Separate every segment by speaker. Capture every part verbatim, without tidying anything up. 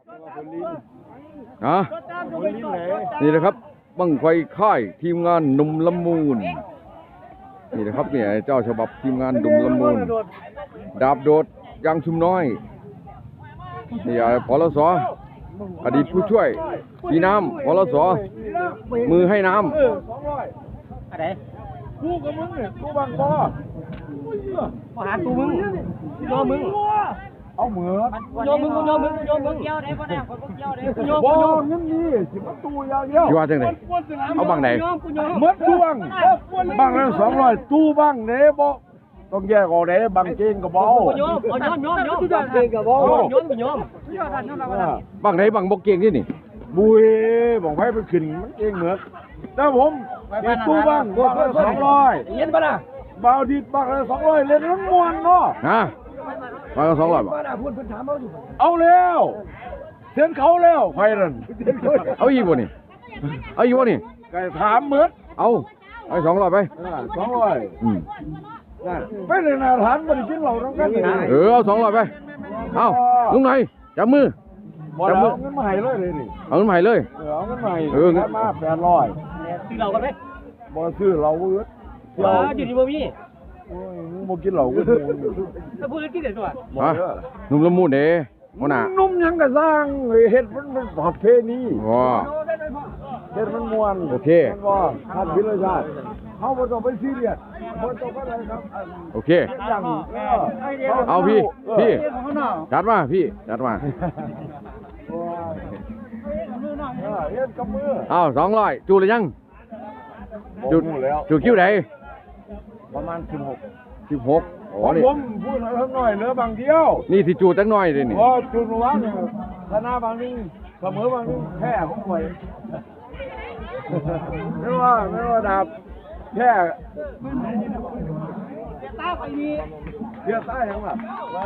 Speaker 1: นะนี่นะครับบังไฟค่ายทีมงานหนุ่มละมูลนี่นะครับเนี่ยเจ้าฉบับทีมงานหนุ่มละมูลดาบโดดยางชุมน้อยนี่พลสอดีตผู้ช่วยปีน้ำพลสมือให้น้ำ
Speaker 2: อะไร
Speaker 3: กูกับมึงเนี่ยกูบังบอ
Speaker 2: มาหาตูมึงโยมึง
Speaker 3: เอาเหมือ
Speaker 2: โยมึงโยมึงโยมึงเกี่ยวได้ปะเนี่ยคนเกี่ยวได้โย
Speaker 3: บอเงินนี่สิมาตูยาวเยี่ยว
Speaker 1: ที่ว่าจังไหนเอาบังไหน
Speaker 3: เมื่อตู้บังบังแล้วสองร้อยตู้บังเด้บอต้องแยกออกเด้บังเก่งกับบอ
Speaker 2: โยมโยมโยมโยมบังเก่งกับบอโยมโยม
Speaker 1: บังไหนบังบกเก่งที่นี่
Speaker 3: บุยบอกให้ไปขึ้นมันเก่งเหมือนแต่ผมมีตู้บังก็สองร้อย
Speaker 2: เย็นปะล่ะ
Speaker 3: บาวดีบังแล้วสองร้อยเล่นน้ำมวนเนาะ
Speaker 1: นะมาสองร้อยบ่
Speaker 3: เอาแล้วเส้นเขาแล้วไฟนั่น
Speaker 1: เอาอีกบ่นี่เอาอีกบ่นี่
Speaker 3: ไก่ถามเหมือน
Speaker 1: เอาไอ้สองร้อยไป
Speaker 3: สองร้อยอืมไปเลยนะฐานบริจิตเราต้องกัน
Speaker 1: เออเอาสองร้อยไปเอาลุงไหนจับมือ
Speaker 3: จับมือเงินมาให้เลยเลยนี่
Speaker 1: เอาเงินมาให้เลย
Speaker 3: เออเอาเงินมาให้เออเงินมาแปดร้อย
Speaker 2: ซื้อเรากันไหม
Speaker 3: บ่ซื้อเราเอื้อ
Speaker 2: เราอยู่ที่บ่มี
Speaker 3: โอ้ยมึงบ่กินเหล้ากู
Speaker 2: ถ้าพูดกินได้ตัว
Speaker 1: ฮะนุ่มละมุนเด้หัวหน้า
Speaker 3: นุ่มยังก็สร้างเฮ็ดมันเป็นประเพณี
Speaker 1: ว้า
Speaker 3: เฮ็ดมันม่วน
Speaker 1: โอเค
Speaker 3: บ่ทัดวิรชาติเฮาบ่ต้องไปซีเรียสบ่ต้องอะไรครับ
Speaker 1: โอเคเอาพี่พี่จัดมาพี่จัดมา
Speaker 3: เฮ็ดกับมือ
Speaker 1: เอาสองร้อยจูหรือยังจูจูคิวไหน
Speaker 3: ประมาณสิบหก
Speaker 1: สิบหก
Speaker 3: อ๋อนี่ผมพูดหน่อยเหลือบางเดียว
Speaker 1: นี่ที่จูจักหน่อยเลยนี่
Speaker 3: อ๋อจูนว่าเนี่ยชนะบางนึงเสมอบางนึงแพ้ผมป่วยไม่ว่าไม่ว่าดาบแพ้
Speaker 2: ตาไปนี่
Speaker 3: เชื่อตาอย่างแบบ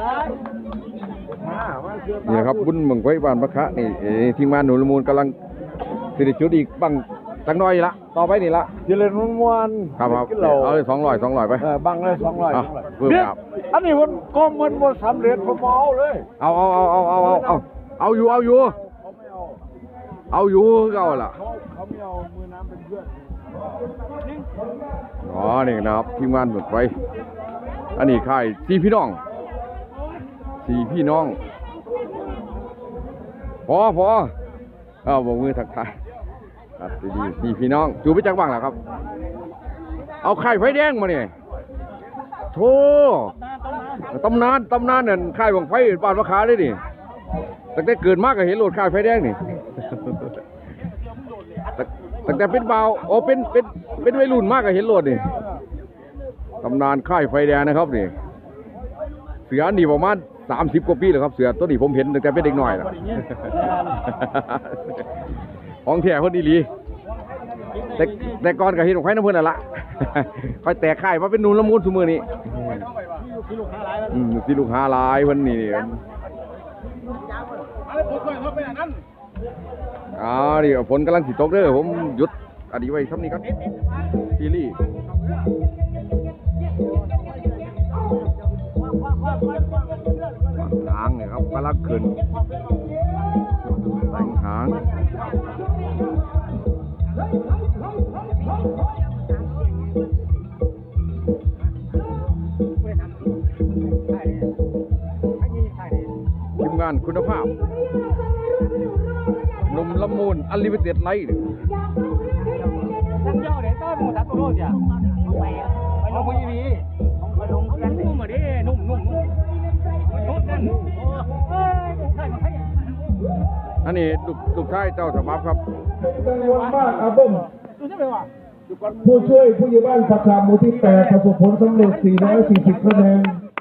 Speaker 1: นี่นะครับบุญเมืองไว้บ้านพระคะนี่ทีมงานหนุนละมูลกำลังสิริจุดอีกบังจักหน่อยละต่อไปนี่ละ
Speaker 3: เจริญมุ่งมั่น
Speaker 1: ครับครับเอาเลยสองร้อยสองร้อยไป
Speaker 3: บังเลยสองร้อย
Speaker 1: เพิ่มครับ
Speaker 3: อันนี้มันก็มันหมดสำเร็จผมเอาเลย
Speaker 1: เอาเอาเอาเอาเอาเอาเอาเอาอยู่เอาอยู่เอาอยู่เอาล่ะ
Speaker 3: เขาไม่เอามือน้ำเป็นเพื่อน
Speaker 1: อ๋อนี่นะครับทีมงานหมดไว้อันนี้ค่ายสี่พี่น้องสี่พี่น้องพอพอเอาบอกมือทักทายครับดีสี่พี่น้องจูไปจักบ้างแล้วครับเอาไข่ไฟแดงมาเนี่ยโธ่ตำนานตำนานเนี่ยไข่บังไฟบ้านมะขาเลยนี่ตั้งแต่เกิดมากก็เห็นโหลดไข่ไฟแดงนี่ตั้งแต่เป็นเบาโอ้เป็นเป็นเป็นวัยรุ่นมากก็เห็นโหลดนี่ตำนานไข่ไฟแดงนะครับนี่เสือนี่ประมาณสามสิบกว่าปีแล้วครับเสือตัวนี้ผมเห็นตั้งแต่เป็นเด็กหน่อยแล้วของแท้คนดีลีแต่แต่ก่อนกับเห็นของใครน้ำเพื่อนละคอยแตกไข่มาเป็นนูนละมุนสมือนี้อืมสีลูกหาลายเพื่อนนี่อ๋อดิฝนกำลังสิตกเด้อผมหยุดอดีไว้ทำนี้ครับซีรีส์หางเนี่ยครับกำลังขึ้นแต่งหางทีมงานคุณภาพนมละมุนอันลิมิเต็ดไลท์
Speaker 2: นักเจ้าเด็กต้นหมูทับตัวโรดจ้ะไปไปลงพีวีไปลงกันนุ่มมาดินุ่มนุ่มนุ่มนุ่มนั่น
Speaker 1: อันนี้ลูกลูกชายเจ้าสบับครับ
Speaker 3: จำนวนมากครับผมผู้ช่วยผู้ใหญ่บ้านสาขาหมู่ที่แปดประสบผลสำเร็จสี่ร้อยสี่สิบคะแนน